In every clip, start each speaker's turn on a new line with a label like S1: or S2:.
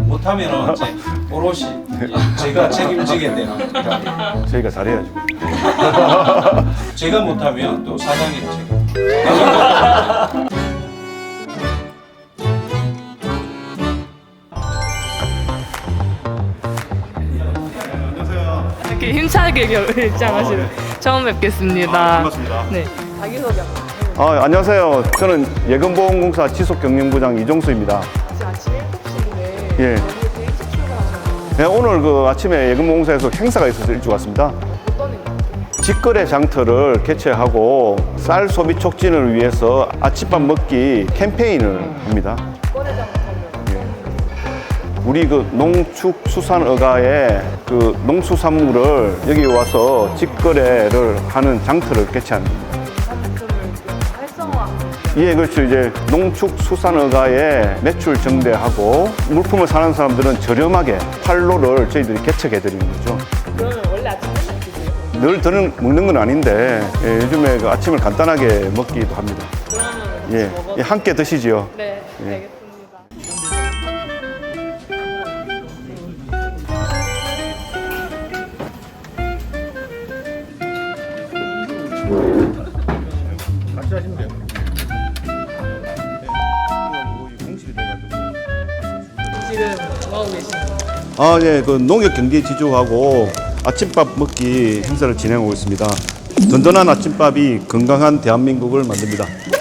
S1: 못하면은 이제 오롯이 제가 책임지게 되는 거니까
S2: 저희가 잘해야죠.
S1: 제가 못하면 또 사장님 책임.
S3: 이렇게 힘차게 입장하시는 처음 뵙겠습니다.
S2: 반갑습니다.
S3: 네. 자기소개
S2: 안녕하세요. 저는 예금보험공사 지속경영부장 이종수입니다.
S3: 지금 아침 7시인데
S2: 예.
S3: 여기 일찍 출근하셨나요?
S2: 네, 오늘 그 아침에 예금보험공사에서 행사가 있어서 일찍 왔습니다.
S3: 어떤 일이요?
S2: 직거래 장터를 개최하고 쌀 소비 촉진을 위해서 아침밥 먹기 캠페인을 합니다.
S3: 거래장 가면
S2: 우리 그 농축수산어가의 그 농수산물을 여기 와서 직거래를 하는 장터를 개최하는 겁니다.
S3: 상품을 활성화하는
S2: 예, 그렇죠. 이제 농축수산어가의 매출 증대하고 물품을 사는 사람들은 저렴하게 판로를 저희들이 개척해 드리는 거죠.
S3: 그러면 원래 아침 맨날 드세요?
S2: 늘 저는 먹는 건 아닌데 요즘에 그 아침을 간단하게 먹기도 합니다.
S3: 그러면
S2: 예, 함께 드시지요.
S3: 네,
S2: 예.
S3: 알겠습니다.
S2: 같이 하시면 돼요.
S3: 지금 뭐하고 계시나요?
S2: 예, 그 농협 경제 지주하고 아침밥 먹기 행사를 진행하고 있습니다. 든든한 아침밥이 건강한 대한민국을 만듭니다.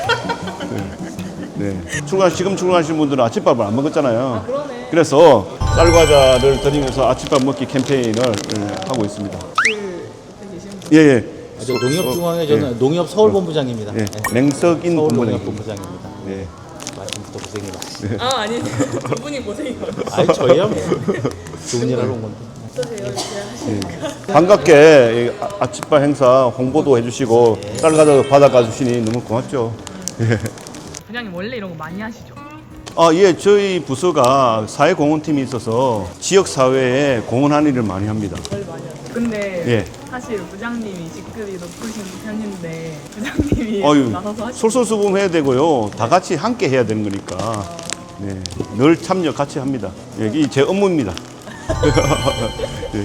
S2: 네. 지금 출근하시는 분들은 아침밥을 안 먹었잖아요.
S3: 그러네.
S2: 그래서 쌀과자를 드리면서 아침밥 먹기 캠페인을 하고 있습니다.
S3: 옆에 계시는 분.
S2: 예, 예.
S4: 저 농협중앙회 저는 농협 서울본부장입니다.
S2: 예.
S4: 네.
S2: 맹석인
S4: 서울농협본부장입니다.
S2: 예.
S4: 말씀부터 고생이 많으시네요.
S3: 아, 아니, 두 분이 고생이 많으세요.
S4: 아니 저희야 뭐 좋은 일 하러 온 건데.
S3: 어떠세요? 이렇게 하시니까.
S2: 반갑게 이 아침밥 행사 홍보도 해주시고 쌀과자도 받아가 주시니 너무 고맙죠.
S3: 부장님 원래 이런 거 많이 하시죠?
S2: 예, 저희 부서가 사회공헌팀이 있어서 지역사회에 공헌하는 일을 많이 합니다.
S3: 제일 많이 하세요. 근데
S2: 예.
S3: 사실 부장님이 직급이 높으신 편인데 부장님이
S2: 어유,
S3: 나서서 하시죠?
S2: 솔솔수범해야 되고요. 다 같이 함께 해야 되는 거니까. 네, 늘 참여 같이 합니다. 이 제 업무입니다. 네.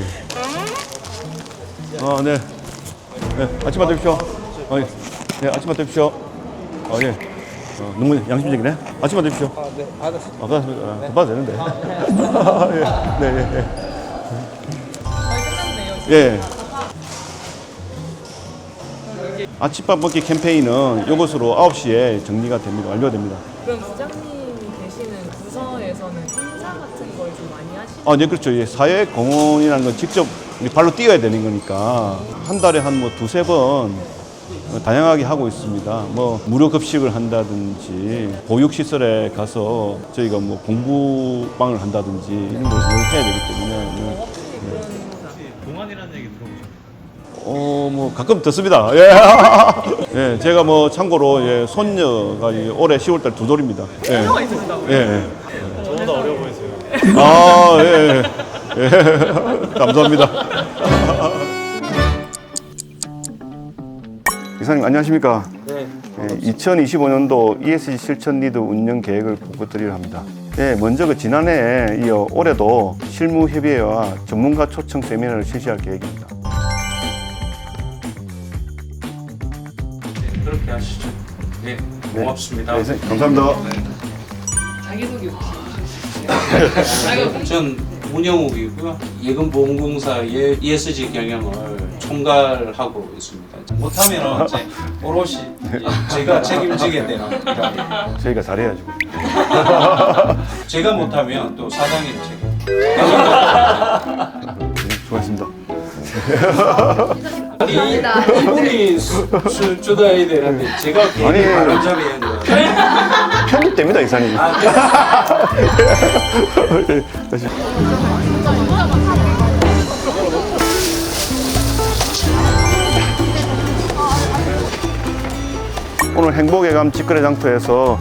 S2: 네. 네, 아침밥 드십시오. 예. 네, 아침밥 드십시오. 예. 너무 양심적이네. 아침밥 드십시오.
S4: 네, 받았습니다.
S2: 받았습니다. 더 받아도 되는데. 예. 네, 예.
S3: 거의 끝났네요. 지금.
S2: 예. 아침밥 먹기 캠페인은 이것으로 9시에 정리가 됩니다. 완료됩니다.
S3: 그럼 부장님이 계시는 부서에서는 행사 같은 걸 좀 많이 하시죠?
S2: 네, 그렇죠. 예, 사회공헌이라는 건 직접 우리 발로 뛰어야 되는 거니까 한 달에 한 뭐 두세 번 다양하게 하고 있습니다. 뭐 무료 급식을 한다든지 보육시설에 가서 저희가 뭐 공부방을 한다든지 이런 걸 늘 해야 되기 때문에
S5: 동안이라는 얘기 들어보셨나요?
S2: 뭐 가끔 듣습니다. 예. 예, 제가 뭐 참고로 손녀가 올해 10월달 두 돌입니다. 예.
S3: 행사가 있으시다고요?
S2: 예.
S5: 저보다 어려 보이세요.
S2: 예. 예. 감사합니다. 이사님 안녕하십니까?
S4: 네.
S2: 2025년도 ESG 실천 리드 운영 계획을 보고드리려 합니다. 먼저 그 지난해에 이어 올해도 실무 협의회와 전문가 초청 세미나를 실시할 계획입니다.
S1: 그렇게 하시죠. 네, 고맙습니다.
S2: 네, 이사님, 감사합니다.
S3: 자기소개 혹시
S1: 전 문영욱이고요. 예금보험공사의 ESG 경영을 총괄하고 있습니다. 못하면은 이제 오롯이 제가 책임지게 되는 거니까
S2: 저희가 잘해야죠.
S1: 제가 못하면 또 사장님 책임.
S2: 네, 수고하셨습니다.
S1: 이분이 술 주다야 되는데 제가
S2: 아니.
S1: 괜히 바른 자리에 있는 거예요.
S2: 편집됩니다, 이사님. 네, 다시. 오늘 행복예감 직거래 장터에서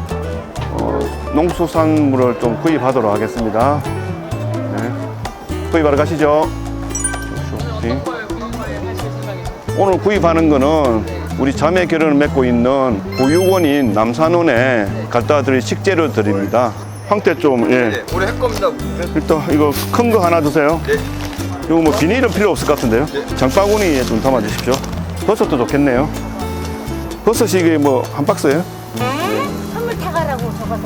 S2: 농수산물을 좀 구입하도록 하겠습니다. 네. 구입하러 가시죠. 네. 오늘 구입하는 거는 우리 자매 결연을 맺고 있는 보육원인 남산원에 갖다 드릴 식재료 드립니다. 황태 좀, 예.
S6: 네, 올해 할 겁니다.
S2: 일단 이거 큰 거 하나 주세요.
S6: 네.
S2: 이거 뭐 비닐은 필요 없을 것 같은데요. 장바구니에 좀 담아 주십시오. 버섯도 좋겠네요. 버섯이 이게 뭐 한 박스예요?
S7: 선물 타가라고 적어서.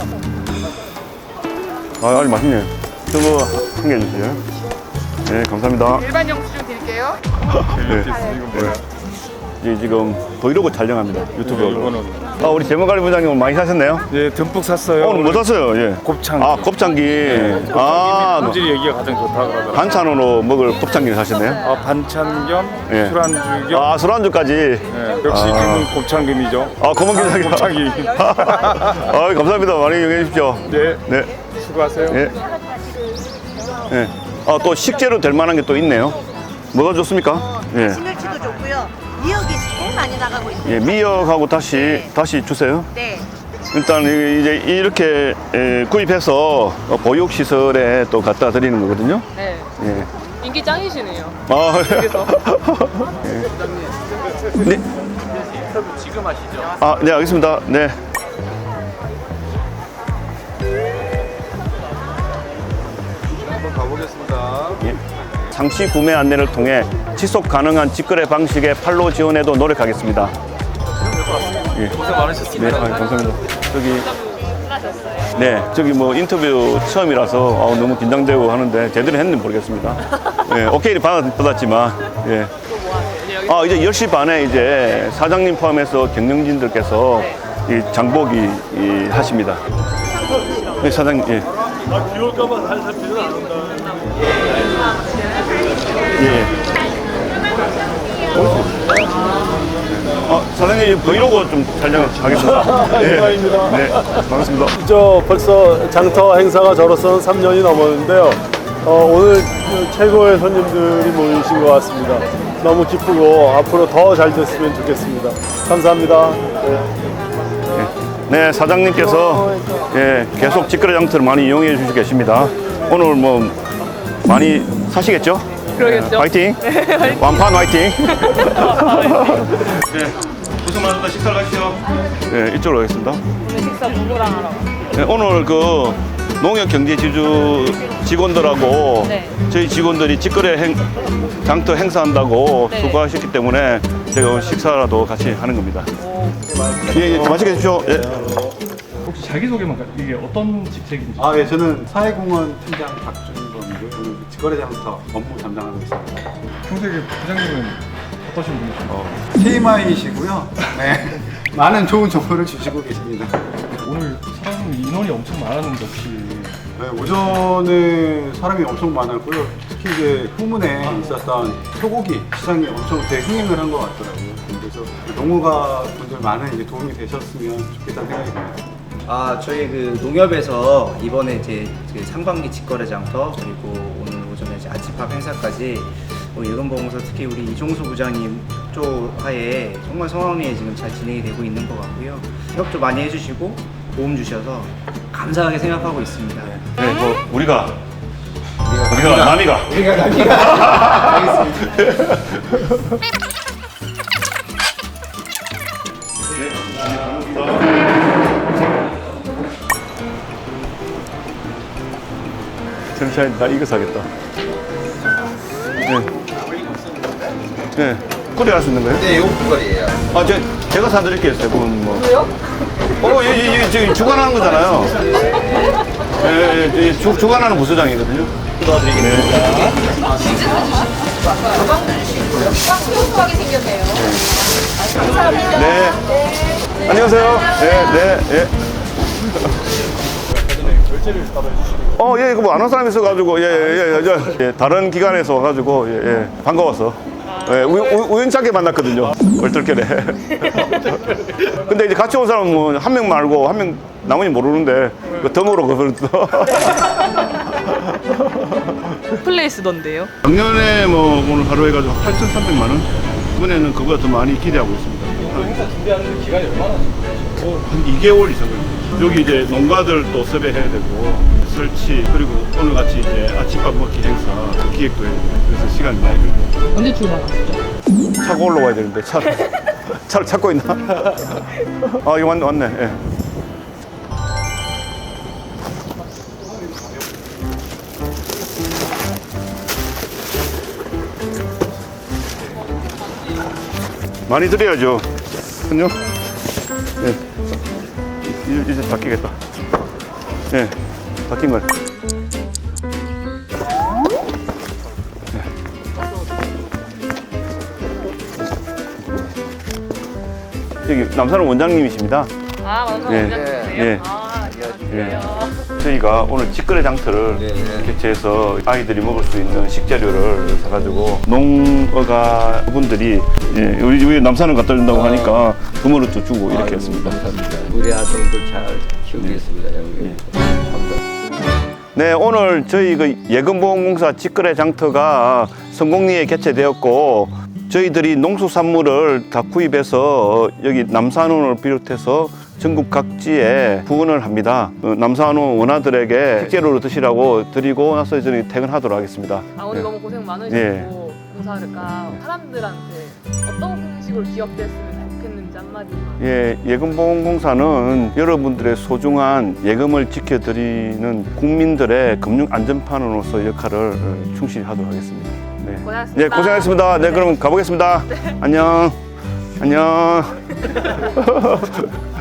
S2: 아, 아주 맛있네요. 저거 한 개 주세요. 네, 감사합니다.
S7: 일반 영수증 드릴게요.
S2: 네. 예, 지금 브이로그 촬영합니다. 유튜브로. 아, 우리 재무관리 부장님 오늘 많이 사셨네요?
S8: 예, 듬뿍 샀어요.
S2: 오늘 뭐 샀어요? 예.
S8: 곱창.
S2: 아, 곱창기. 아,
S8: 품질이 여기가 가장 좋다 그러더라고요.
S2: 반찬으로 먹을 곱창기를 사셨네요?
S8: 아, 반찬 겸
S2: 예.
S8: 술안주 겸.
S2: 아, 술안주까지.
S8: 예, 역시 김은 곱창금이죠.
S2: 아, 검은 기사기.
S8: 곱창기.
S2: 아, 감사합니다. 많이 이용해 주십시오.
S8: 네,
S2: 네.
S8: 수고하세요.
S2: 예. 예. 아, 또 식재료 될 만한 게 또 있네요. 뭐가 좋습니까? 예.
S7: 시멸치도 좋고요. 미역이 제일 많이 나가고 있어요.
S2: 예, 미역하고 다시 주세요.
S7: 네.
S2: 일단 이제 이렇게 구입해서 보육 시설에 또 갖다 드리는 거거든요.
S3: 네.
S2: 예.
S3: 인기 짱이시네요.
S2: 아,
S3: 여기서.
S2: 네. 지금 하시죠? 아, 네, 알겠습니다. 네.
S6: 한번 가보겠습니다.
S2: 예. 상시 구매 안내를 통해 지속 가능한 직거래 방식의 판로 지원에도 노력하겠습니다. 예. 고생 많으셨습니다. 네, 감사합니다. 저기, 네, 저기 뭐 인터뷰 처음이라서 너무 긴장되고 하는데 제대로 했는지 모르겠습니다. 예, 오케이를 받았지만, 예. 아, 이제 10시 반에 이제 사장님 포함해서 경영진들께서 이 장보기 하십니다. 네, 사장님, 예.
S5: 비 올까봐 살살 비는 안 온다.
S2: 예. 사장님 브이로그 좀 촬영하겠습니다. 네. 네, 반갑습니다.
S9: 저 벌써 장터 행사가 저로서는 3년이 넘었는데요. 오늘 최고의 손님들이 모이신 것 같습니다. 너무 기쁘고 앞으로 더 잘 됐으면 좋겠습니다. 감사합니다.
S2: 네, 사장님께서 예, 계속 직거래 장터를 많이 이용해 주시고 계십니다. 오늘 뭐 많이 사시겠죠?
S3: 그러겠죠.
S2: 화이팅! 완판 화이팅! 네, 고생 많으셨다. 식사 가시죠. 네, 이쪽으로 가겠습니다.
S3: 오늘 식사 누구랑 하라고?
S2: 네, 오늘 그 농협경제지주 직원들하고
S3: 네.
S2: 저희 직원들이 직거래 장터 행사한다고
S3: 네.
S2: 수고하셨기 때문에 제가 오늘 식사라도 같이 하는 겁니다. 예, 예, 맛있게 드십시오. 예.
S5: 혹시 자기소개만 이게 어떤 직책인지.
S10: 아, 예, 저는 사회공헌 팀장 박준범이고요. 오늘 직거래장터 업무 담당하고 있습니다.
S5: 평소에 부장님은 어떠신 분이신가요?
S10: TMI이시고요. 네, 많은 좋은 정보를 주시고 계십니다.
S5: 오늘 사람 인원이 엄청 많았는데 혹시
S10: 네, 오전에 사람이 엄청 많았고요. 특히 이제 후문에 있었던 소고기 시장이 엄청 대흥행을 한 것 같더라고요. 그래서 농어가 분들 많은 이제 도움이 되셨으면 좋겠다는 생각이 듭니다.
S11: 아, 저희 그 농협에서 이번에 이제 그 상반기 직거래 장터 그리고 오늘 오전에 이제 아침밥 행사까지 예금보험사 특히 우리 이종수 부장님 협조하에 정말 성황리에 지금 잘 진행이 되고 있는 것 같고요. 협조 많이 해주시고 도움 주셔서 감사하게 생각하고 있습니다.
S2: 네, 뭐 우리가 남이가 천천히 나 이거 사겠다. 네. 네. 꿀이 할 수 있는 거예요?
S6: 네, 이거 국거리예요.
S2: 아, 제가 사드릴게요, 세 분 뭐. 왜요? 지금 주관하는 거잖아요. 예, 예, 주관하는 부서장이거든요. 도와드리겠습니다.
S7: 소소하게 생겼네요.
S2: 네. 안녕하세요. 네, 네, 예. 이거 뭐 안 온 사람이 있어가지고, 다른 기관에서 와가지고, 반가워서. 예, 우연찮게 만났거든요. 얼떨결에. 근데 이제 같이 온 사람은 한 명 말고 한 명 나머지 모르는데, 그 덤으로 그랬어.
S3: 플레이스던데요?
S2: 작년에 뭐 오늘 하루 해가지고 8,300만 원? 이번에는 그보다 더 많이 기대하고 있습니다.
S5: 행사 준비하는 기간이 얼마나
S2: 한 2개월 이상 걸립니다. 여기 이제 농가들 또 섭외해야 되고 설치 그리고 오늘 같이 이제 아침밥 먹기 행사 그 기획도 해야 되고 그래서 시간이 많이 걸립니다.
S3: 언제 출발하시죠?
S2: 차고 올라와야 되는데 차를 찾고 있나? 아 이거 왔네. 예. 많이 드려야죠. 안녕. 예. 이제 바뀌겠다. 예. 바뀐 걸. 여기 남산원 원장님이십니다.
S3: 아, 맞아요.
S2: 예.
S3: 원장님이세요?
S2: 예.
S3: 아,
S2: 예.
S3: 안녕하세요.
S2: 저희가 오늘 직거래 장터를 개최해서 아이들이 먹을 수 있는 식재료를 사가지고 농어가 분들이 우리 집에 남산을 갖다 준다고 하니까 그물을 또 주고 이렇게 했습니다.
S6: 우리 아동들 잘 키우겠습니다.
S2: 네, 오늘 저희 그 예금보험공사 직거래 장터가 성공리에 개최되었고 저희들이 농수산물을 다 구입해서 여기 남산원을 비롯해서 전국 각지에 후원을 합니다. 남산원 원아들에게 식재료로 드시라고 드리고 나서 저희 퇴근하도록 하겠습니다.
S3: 아, 오늘
S2: 예.
S3: 너무 고생 많으시고
S2: 예.
S3: 봉사를까 사람들한테 어떤 방식으로 기억됐으면 좋겠는지 한마디만.
S2: 예, 예금보험공사는 여러분들의 소중한 예금을 지켜드리는 국민들의 금융 안전판으로서 역할을 충실히 하도록 하겠습니다. 네,
S3: 고생하셨습니다.
S2: 네, 고생하셨습니다. 네, 그럼 가보겠습니다. 안녕. 안녕.